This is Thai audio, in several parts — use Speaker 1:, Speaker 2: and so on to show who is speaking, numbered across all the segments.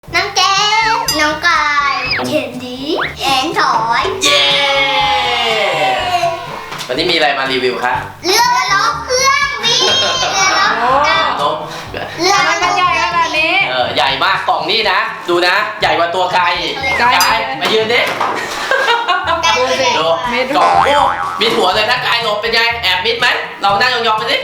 Speaker 1: น้องแก้วน้องกายเข็นดีแอนถอย
Speaker 2: เย้วันนี้มีอะไรมารีวิวคะ
Speaker 1: เรือรบเครื่องบินเรือรบ
Speaker 2: นก
Speaker 1: เรือ
Speaker 3: มันใหญ่ขนาดนี้
Speaker 2: ใหญ่มากกล่องนี่นะดูนะใหญ่กว่าตัวไก่มายืนดิดูกล่องโอ้มีหัวเลยถ้ากายหลบเป็นไงแอบมิดไหมเรานั่งยองๆไปสิ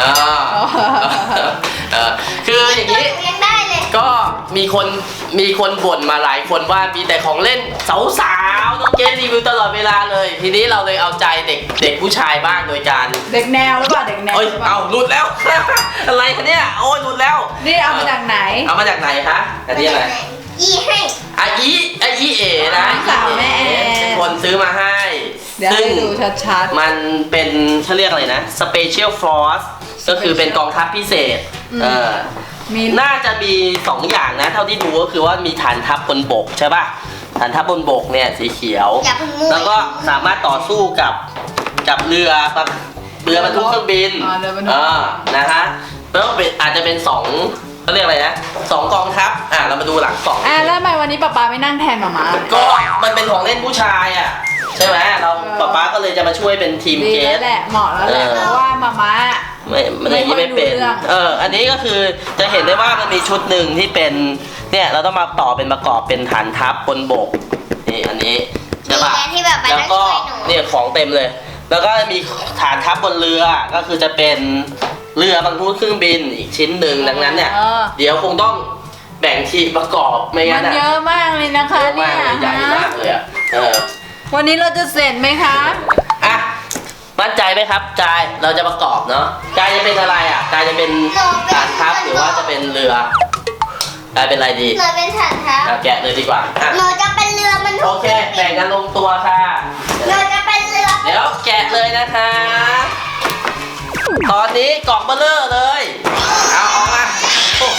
Speaker 2: คืออย่างนี้ก็มีคนบ่นมาหลายคนว่ามีแต่ของเล่นสาวๆน้องเกดรีวิวตลอดเวลาเลยทีนี้เราเลยเอาใจเด็กผู้ชายบ้างโดยการ
Speaker 3: เด็กแนวหรือเปล่าเด็กแนว
Speaker 2: เอาหลุดแล้ว อะไรคะเนี่ยโอ้ยหลุดแล้ว
Speaker 3: นี่เอามาจากไหน
Speaker 2: เอามาจากไหนคะอันนี้อะไร
Speaker 1: อีให้
Speaker 2: อีเอ๋นะ
Speaker 3: สาวแม่
Speaker 2: เป็นคนซื้อมาให้
Speaker 3: ซึ่งดูชัด
Speaker 2: ๆมันเป็นเขาเรียกอะไรนะ Special Force ก็คือเป็นกองทัพพิเศษน่าจะมี2อย่างนะเท่าที่ดูก็คือว่ามีฐานทัพบนบกใช่ป่ะฐานทัพบนบกเนี่ยสีเขียวแล้วก็สามารถต่อสู้กับเรือบรรทุกเครื่องบินนะฮะแล้วอาจจะเป็น2เขาเรียกอะไรนะ2กองทัพเรามาดูหลังกล่อง
Speaker 3: แล้วทำไมวันนี้ป๊าไม่นั่งแทนหม่า
Speaker 2: ก็มันเป็นของเล่นผู้ชายใช่ไหมเราป๊าก็เลยจะมาช่วยเป็นทีมเกส
Speaker 3: แหละเหมาะแล้วแหละเพราะว่าม่า
Speaker 2: ไม่เป็นอันนี้ก็คือจะเห็นได้ว่ามันมีชุดหนึ่งที่เป็นเนี่ยเราต้องมาต่อเป็นประกอบเป็นฐานทัพบนบกนี่อันนี้ใช่ป่ะแล้วก็เนี่ยของเต็มเลยแล้วก็มีฐานทัพบนเรือก็คือจะเป็นเรือบรรทุกเครื่องบินอีกชิ้นหนึ่งดังนั้นเนี่ยเดี๋ยวคงต้องแบ่งทีมประกอบไม่งั้น
Speaker 3: มันเยอะมากเลยนะคะเนี่ย
Speaker 2: ใหญ่มากเลย
Speaker 3: วันนี้เราจะเสร็จไหมคะ
Speaker 2: มั่นใจไหมครับกายเราจะประกอบเนาะกายจะเป็นอะไรกายจะเป็นฐานทัพหรือว่าจะเป็นเรือกายเป็นอะไรดี
Speaker 1: หนูเป็นฐานทัพ
Speaker 2: แกะเลยดีกว่า
Speaker 1: หนูจะเป็นเรือมัน
Speaker 2: โอเคแบ่งกันลงตัวค่ะ
Speaker 1: หนูจะเป็นเรือ
Speaker 2: เดี๋ยวแกะเลยนะคะตอนนี้กล่องเบลเลอร์เลยเอาออกมาโอ้โห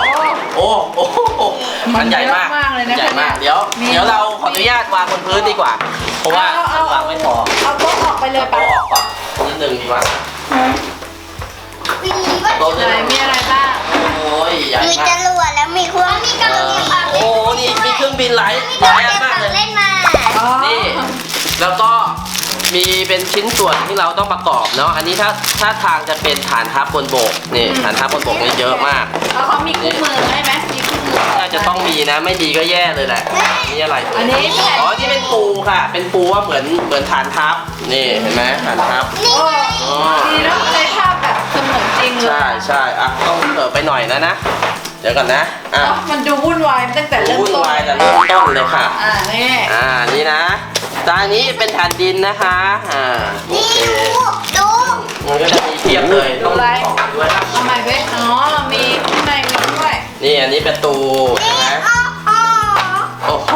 Speaker 2: มันใหญ่มาก
Speaker 3: เลยนะ
Speaker 2: ใหญ่มากเดี๋ยวเราขออนุญาตวางบนพื้นดีกว่าเพราะว่าวางไม่พอ
Speaker 3: เอาโต๊ะออกไปเลย
Speaker 2: ป่ะออกก่อนนิดนึงดีกว่า
Speaker 3: มีอะไรบ้าง
Speaker 2: โอ้ยใหญ่มาก
Speaker 1: มีจรวดแล้วมีเครื่องมีกำลัง
Speaker 2: โอ้นี่มีเครื่องบินหลายอันมากเลย
Speaker 1: เล่นมา
Speaker 2: นี่แล้วก็มีเป็นชิ้นส่วนที่เราต้องประกอบเนาะอันนี้ถ้าทางจะเป็นฐานทัพบนบกนี่ฐานทัพบนบกนี่เยอะมาก
Speaker 3: แล้วเขามีคู่มือให้ไหมมีคู่มือ
Speaker 2: น่าจะต้องมีนะไม่ดีก็แย่เลยแหละนี่อะไร
Speaker 3: อันนี้
Speaker 2: นี่เป็นปูค่ะเป็นปูว่าเหมือนฐานทัพนี่เห็นไหมฐานทัพ
Speaker 3: นี่แล้วในภาพแบบเสมือนจริงเลย
Speaker 2: ใช่ต้องเปิดไปหน่อยนะเดี๋ยวก่อนนะ
Speaker 3: มันดูวุ่นวายตั้งแต่เริ่มต้น
Speaker 2: วุ่นวายแต่เริ่มต้นเลยค่ะ
Speaker 3: นี่
Speaker 2: นะจานนี้เป็นฐานดินนะคะโอเค
Speaker 1: ดู
Speaker 2: มันก็จะมีเทียบเลยต้องบอกด้วยครับ
Speaker 3: ทำไมเว้ยเรามีข้างในด้วย
Speaker 2: นี่อันนี้ประตูใช่ไหมโอ้โห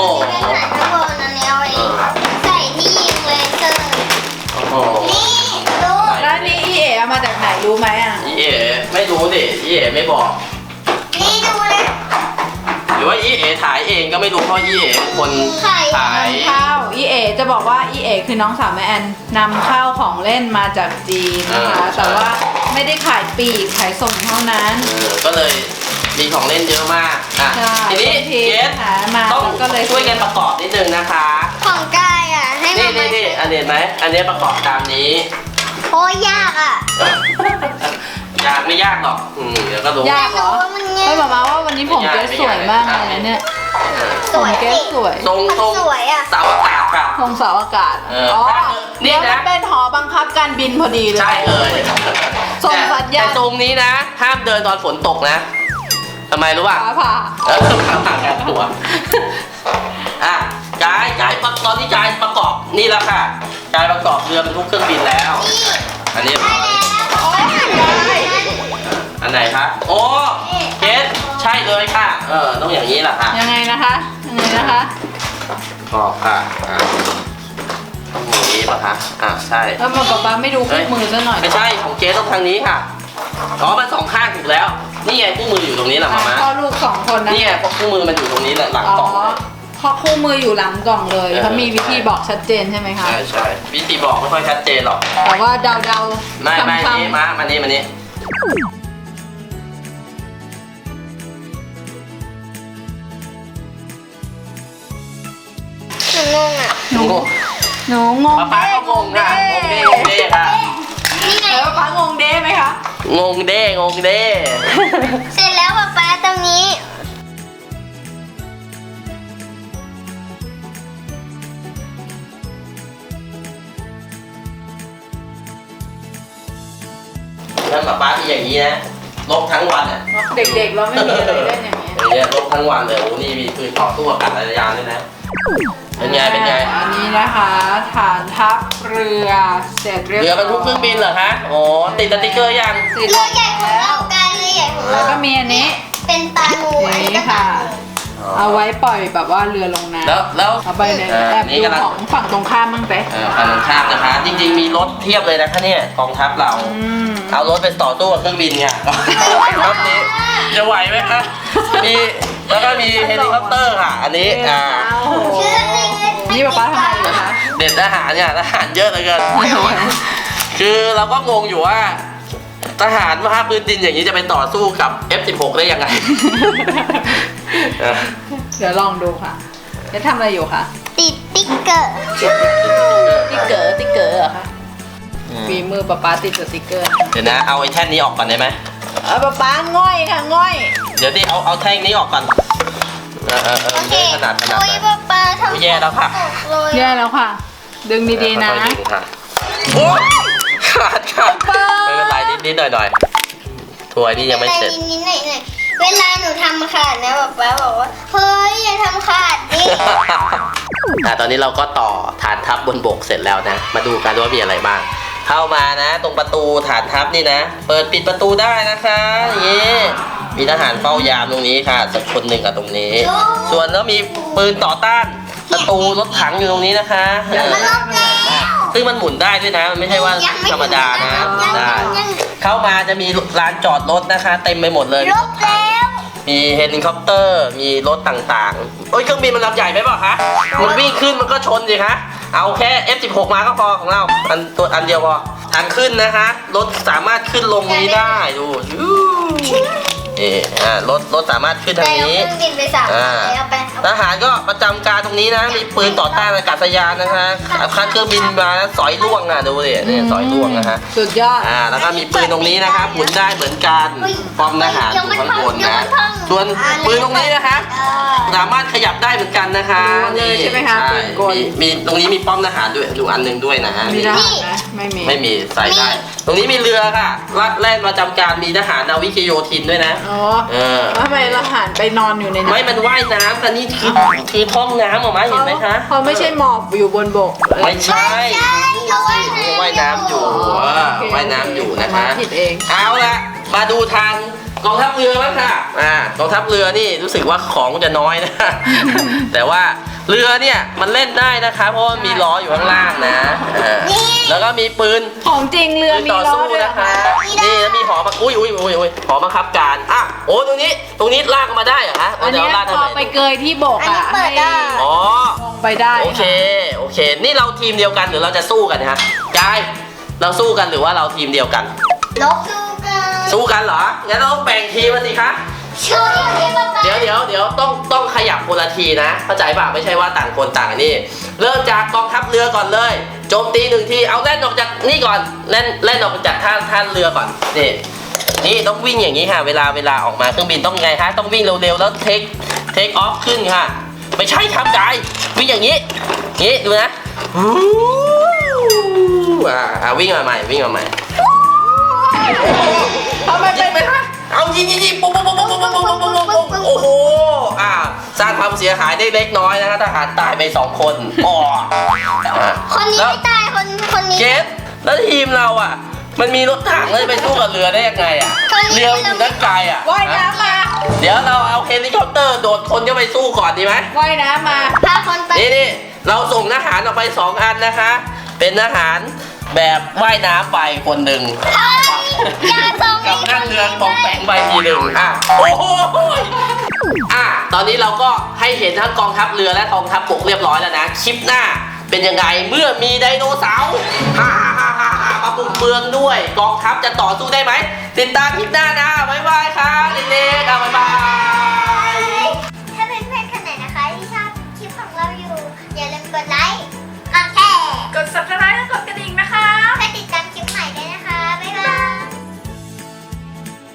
Speaker 1: ใส่ที่ยิงเลเซอร์
Speaker 2: โอ้โห
Speaker 1: นี่ดู
Speaker 3: แล้วนี่อีเอ๋มาจากไหนรู้ไหม
Speaker 2: อีเอ๋ไม่รู้ดิอีเอ๋ไม่บอก
Speaker 1: นี่ดูเลย
Speaker 2: หรือว่าอีเอ๋ถ่ายเองก็ไม่รู้เพราะอีเอ๋คนถ่าย
Speaker 3: ข้าวอีเอ๋จะบอกว่าอีเอ๋คือน้องสาวแม่แอนนำข้าวของเล่นมาจากจีนนะคะแต่ว่าไม่ได้ขายปีกขายส่งเท่านั้น
Speaker 2: ก็เลยมีของเล่นเยอะมากทีนี้เกสต้องช่วยกันประกอบนิดนึงนะคะ
Speaker 1: ของกายให้มา
Speaker 2: นี่อันนี้ไหมอันนี้ประกอบตามนี้
Speaker 1: โอ้ยาก
Speaker 2: ยากไม่ยากหรอกเดี๋ยวก็รู้
Speaker 3: ยากเหรอไม่บอกมาว่าวันนี้ผมเกสสวยมากเลยนะเนี่ยผมเกสสวย
Speaker 2: ทรง
Speaker 1: สวย
Speaker 2: เสาอากาศครับ
Speaker 3: ทรงเสาอากาศนี่นะเป็นหอบังคับการบินพอดีเลย
Speaker 2: ใช่เลย
Speaker 3: ส่งสัญญาณ
Speaker 2: แต่ทรงนี้นะห้ามเดินตอนฝนตกนะทำไมรู้ป่ะ
Speaker 3: ผ่า
Speaker 2: กันตัวกายตอนนี้กายประกอบนี่แล้วค่ะกายประกอบเรือบรรทุกเครื่องบินแล้วอันนี้อันไหนคะโอ้เกสใช่เลยค่ะต้องอย่างนี้แหละค่ะ
Speaker 3: ยังไงนะคะ
Speaker 2: ประกอบค่ะต้องอย่างนี้ป่ะคะใช่
Speaker 3: แล้วมาป๊าไม่ดูคู่มือซะหน่อย
Speaker 2: ไม่ใช่ของเกสต้องทางนี้ค่ะมันสองข้างถูกแล้วนี่ไงคู่มืออยู่ตรงนี้แหละมา
Speaker 3: พ่อลูก2คนนะ
Speaker 2: นี่ไงคู่มือมันอยู่ตรงนี้แหละหลังกล่อง
Speaker 3: เพราะคู่มืออยู่หลังกล่องเลยเขามีวิธีบอกชัดเจนใช่ไหมคะ
Speaker 2: ใช่วิธีบอกไม่ค่อยชัดเจนหรอก
Speaker 3: แต่ว่าเดา
Speaker 2: ไม่นี่มานี่
Speaker 1: นูงงอ่ะ
Speaker 3: หนูงง
Speaker 2: ป๊าก็งงค่ะงงเด้ค่ะ
Speaker 1: นี่ไง
Speaker 3: แล้วป๊างงเด้ไหมคะ
Speaker 2: งงเด้
Speaker 1: เสร็จแล้วป๊าตรงนี้
Speaker 2: แล้วป๊าที่อย่างนี้นะลบทั้งวันอ่ะ
Speaker 3: เด็กๆเราไม่มีอะไรเล่นอย่างเงี้ย
Speaker 2: อย่างเงี้ยลบทั้งวันเลยโอ้นี่มีปืนต่อสู้อากาศยานด้วยนะเป็นไง
Speaker 3: อันนี้นะคะฐานทัพเรือเสร็จเรียบร้อย
Speaker 2: เรือบรรทุกเครื่องบินเหรอคะโอ้ติดสติ๊กเกอร์ยัง
Speaker 3: ติด
Speaker 1: เรือใหญ่ของ
Speaker 3: แล้
Speaker 1: เรา
Speaker 3: ว
Speaker 1: การเรือใหญ่ของ
Speaker 3: แล้
Speaker 1: เรา
Speaker 3: วก็มีอันนี้
Speaker 1: เป็นตาหนู
Speaker 3: อย่างนี้ค่ะ เอาไว้ปล่อยแบบว่าเรือลงน้ำ
Speaker 2: แล้ว
Speaker 3: เอาไปเลย
Speaker 2: อ่า
Speaker 3: แอบ
Speaker 2: นี่
Speaker 3: ดู
Speaker 2: กำลัง
Speaker 3: ของฝั่งตรงข้ามบ้างไป
Speaker 2: ฝั่งตรงข้ามนะคะ จริงๆมีรถเทียบเลยนะคะเนี่ยกองทัพเรา เอารถไปต่อตู้กับเครื่องบินเนี่ยรอบนี้จะไหวไหมคะมีแล้วก็มีเฮลิคอปเตอร์ค่ะ อันนี้
Speaker 1: ชื่ออะไร
Speaker 3: นี่ป๊าทำอะไรอยู่คะ
Speaker 2: เด็ดทหารเนี่ยทหารเยอะเหลือเกินคือเราก็งงอยู่ว่า ทหารภาคพื้นดินอย่างนี้จะไปต่อสู้กับ F16 ได้ยังไง
Speaker 3: เดี๋ยวลองดูค่ะจะทำอะไรอยู่คะ
Speaker 1: ติดติ๊กเกอร์
Speaker 3: ติ๊กเกอร์เหรอคะฝีมือป๊าติดสติ๊กเกอร์
Speaker 2: เดี๋ยวนะเอาไอ้แท่นนี้ออกก่อนได้ไหม
Speaker 3: ป๊าง่อยค่ะง่อย
Speaker 2: เดี๋ยวดิเอาแท่งนี้ออกก่อน
Speaker 1: โอเค
Speaker 2: ขนาด
Speaker 1: โอ้ยป๊าทำ
Speaker 2: แย่แล้วค่ะ
Speaker 1: เลย
Speaker 3: แย่แล้วค่ะ ดึงดีๆนะ
Speaker 2: ค่อยๆดึงค่ะโอ๊ยขาดค่ะไม่เป็นไรนิดๆหน่อยๆถ้วยนี่ยังไม่เสร็จ
Speaker 1: นิดๆหน่อยๆเวลาหนูทำขาดนะป๊าบอกว่าเฮ้ยอย่าทำขาดดิ
Speaker 2: ตอนนี้เราก็ต่อฐานทัพบนบกเสร็จแล้วนะ มาดูกันว่ามีอะไรบ้าง เข้ามานะ ตรงประตูฐานทัพนี่นะ เปิดปิดประตูได้นะคะอย่างนี้มีทหารเฝ้ายามตรงนี้ค่ะสักคนหนึ่งกับตรงนี้ ส่วนแล้วมีปืนต่อต้านประตูรถถังอยู่ตรงนี้นะคะ
Speaker 1: มันลบแล้ว
Speaker 2: ซึ่งมันหมุนได้ด้วยนะ มันไม่ใช่ว่าธรรมดานะหมุนได้
Speaker 1: ยัง
Speaker 2: เข้ามาจะมีลานจอดรถนะคะ เต็มไปหมดเลย
Speaker 1: ลบแล้ว
Speaker 2: มีเฮลิคอปเตอร์ มีรถต่างๆโอ้ยเครื่องบินมันลำใหญ่ไหมเปล่าคะ มันวิ่งขึ้นมันก็ชนสิคะ เอาแค่ F16 มาก็พอของเรา อันเดียวพอทางขึ้นนะคะ รถสามารถขึ้นลงนี้ได้ดูรถสามารถขึ้นทางนี้
Speaker 1: ไปเอาเครื่องบินไป3แล้วไป
Speaker 2: ทหารก็ประจำการตรงนี้นะ มีปืนต่อต้านอากาศยานนะคะคันเครื่องบินมาแล้วสอยล่วงอ่ะดูดิเนี่ยสอยล่วงนะคะ
Speaker 3: สุดยอด
Speaker 2: แล้วก็มีปืนตรงนี้นะคะหมุนได้เหมือนกันป้อมทหารอยู่ข้างบนนะส่วนปืนตรงนี้นะคะสามารถขยับได้เหมือนกันนะคะ
Speaker 3: เลยใช่ไหมคะปืนกล
Speaker 2: มีตรงนี้มีป้อมทหารด้วยอยู่อันหนึงด้วยนะฮะ
Speaker 3: มีทหารไหมไม่มี
Speaker 2: ใส่ได้ ตรงนี้มีเรือค่ะแล่นประจำการมีทหารนาวิกโยธินด้วยนะ
Speaker 3: อ๋อทำไมเราหันไปนอนอยู่ใน
Speaker 2: ไม่มันว่ายน้ำกันนี่คือท้องน้ำออกมาเห็นไหมคะ
Speaker 3: เขาไม่ใช่หมอบอยู่บนบก
Speaker 2: ไม่ใช่
Speaker 1: เขา
Speaker 2: ว่ายน้ำอยู่ว่ายน้ำอยู่นะคะ
Speaker 3: ผิดเอง
Speaker 2: เอาละมาดูทางกองทัพเรือบ้างค่ะกองทัพเรือนี่รู้สึกว่าของจะน้อยนะ แต่ว่าเรือเนี่ยมันเล่นได้นะคะเพราะว่ามีล้ออยู่ข้างล่างนะแล้วก็มีปืน
Speaker 3: ของจริงเรือมี
Speaker 2: ต่อ
Speaker 3: ล้อ
Speaker 2: สู้
Speaker 3: ด้วย
Speaker 2: นะคะ นี่แล้วมีหอมาอุ้ยหอบังคับการโอ้ตรงนี้ลากมาได้เหรอคะ
Speaker 3: อันนี้
Speaker 2: ลาก
Speaker 3: พอไปเกยที่บก
Speaker 1: อันนี้เปิดได้
Speaker 2: อ๋อ
Speaker 3: ลงไปได้
Speaker 2: โอเค นี่เราทีมเดียวกันหรือเราจะสู้กันฮะกายเราสู้กันหรือว่าเราทีมเดียวกัน
Speaker 1: ลบดูกัน
Speaker 2: สู้กันเหรอ งั้นเราต้องแบ่งทีมมาสิคะ
Speaker 1: ช่วยที่ป๊าป๊า
Speaker 2: เดี๋ยวต้องขยับคนละทีนะ เข้าใจป่ะไม่ใช่ว่าต่างคนต่างนี่ เริ่มจากกองทัพเรือก่อนเลย โจมตี1 ที เอาแล่นออกจากนี่ก่อน เล่นออกจากท่าเรือก่อน นี่ต้องวิ่งอย่างนี้ค่ะ เวลาออกมาเครื่องบินต้องไงคะ ต้องวิ่งเร็วๆแล้วเทคออฟขึ้นค่ะ ไม่ใช่ครับกายวิ่งอย่างนี้ นี่ดูนะวิ่งมาใหม่
Speaker 3: ทำไม
Speaker 2: ยิงไหมคะเอายิงปุ๊บโอ้โหสร้างความเสียหายได้เล็กน้อยนะคะทหารตายไป2 คน
Speaker 1: คนนี้ไม่ตายคนนี้
Speaker 2: เคสแล้วทีมเรามันมีรถถังเลยไปสู้กับเรือได้ยังไงเรืออยู่ด้านไกล
Speaker 3: ว่ายน้ำมา
Speaker 2: เดี๋ยวเราเอาเฮลิคอปเตอร์โดดคนเข้าไปสู้ก่อนดีไหม
Speaker 3: ว่ายน้ำมา
Speaker 1: พาคนไป
Speaker 2: นี่เราส่งทหารออกไป2 อันนะคะ เป็นทหารแบบว่ายน้ำไปคนหนึ่ง
Speaker 1: อย่าส่ง
Speaker 2: กับนั่งเรือตองแปงใบทีหนึ่งโอ้โหตอนนี้เราก็ให้เห็นทั้งกองทัพเรือและกองทัพบกเรียบร้อยแล้วนะ คลิปหน้าเป็นยังไงเมื่อมีไดโนเสาร์มาบุกเมืองด้วย กองทัพจะต่อสู้ได้ไหม ติดตามคลิปหน้านะ บ๊ายบายค่ะเด็กๆบ๊ายบาย